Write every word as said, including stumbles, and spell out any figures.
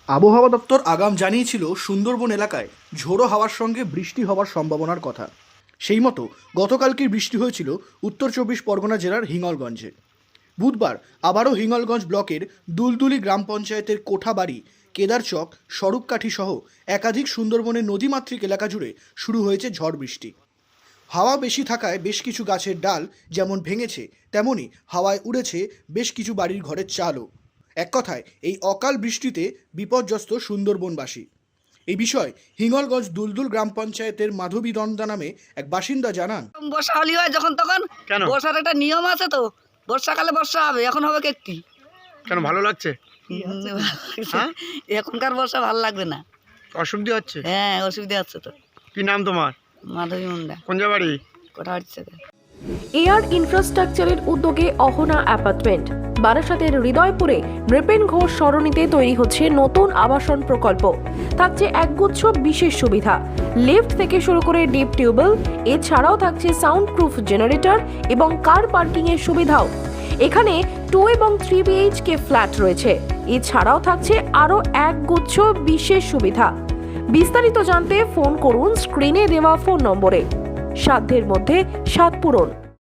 আবহাওয়া দপ্তর আগাম জানিয়েছিল সুন্দরবন এলাকায় ঝোড়ো হাওয়ার সঙ্গে বৃষ্টি হওয়ার সম্ভাবনার কথা। সেই মতো গতকালকের বৃষ্টি হয়েছিল উত্তর চব্বিশ পরগনা জেলার হিঙ্গলগঞ্জে। বুধবার আবারও হিঙ্গলগঞ্জ ব্লকের দুলদুলি গ্রাম পঞ্চায়েতের কোঠাবাড়ি, কেদারচক, স্বরূপকাঠি সহ একাধিক সুন্দরবনের নদীমাতৃক এলাকা জুড়ে শুরু হয়েছে ঝড় বৃষ্টি। হাওয়া বেশি থাকায় বেশ কিছু গাছের ডাল যেমন ভেঙেছে, তেমনি হাওয়ায় উড়েছে বেশ কিছু বাড়ির ঘরের চালও। এক কথায় এই অকাল বৃষ্টিতে বিপর্যস্ত সুন্দরবনবাসী। এই বিষয়ে হিঙ্গলগঞ্জ দুলদুল গ্রাম পঞ্চায়েতের মাধবী দন্দা নামে এক বাসিন্দা জানান, বর্ষা হলি হয় যখন তখন। কেন? বর্ষার একটা নিয়ম আছে তো, বর্ষাকালে বর্ষা হবে, এখন হবে কেকটি। কেন ভালো লাগছে? হ্যাঁ? এখনকার বর্ষা ভালো লাগবে না। অসুবিধা হচ্ছে? হ্যাঁ, অসুবিধা হচ্ছে তো। কি নাম তোমার? মাধবী মুন্ডা, কোন বাড়ি? কোথা হচ্ছে? এয়ার ইনফ্রাস্ট্রাকচারের উদ্যোগে অহনা অ্যাপার্টমেন্ট বারাসাতের হৃদয়পুরে নৃপেন ঘোষ সরণিতে তৈরি হচ্ছে নতুন আবাসন প্রকল্প। থাকছে একগুচ্ছ বিশেষ সুবিধা, লিফট থেকে শুরু করে ডিপ টিউবওয়েল, এছাড়াও থাকছে সাউন্ড প্রুফ জেনারেটর এবং কার পার্কিং এর সুবিধাও। এখানে টু এবং থ্রি বিএইচকে ফ্ল্যাট রয়েছে, এছাড়াও থাকছে আরও একগুচ্ছ বিশেষ সুবিধা। বিস্তারিত জানতে ফোন করুন স্ক্রিনে দেওয়া ফোন নম্বরে। সাধ্যের মধ্যে সাত পূরণ।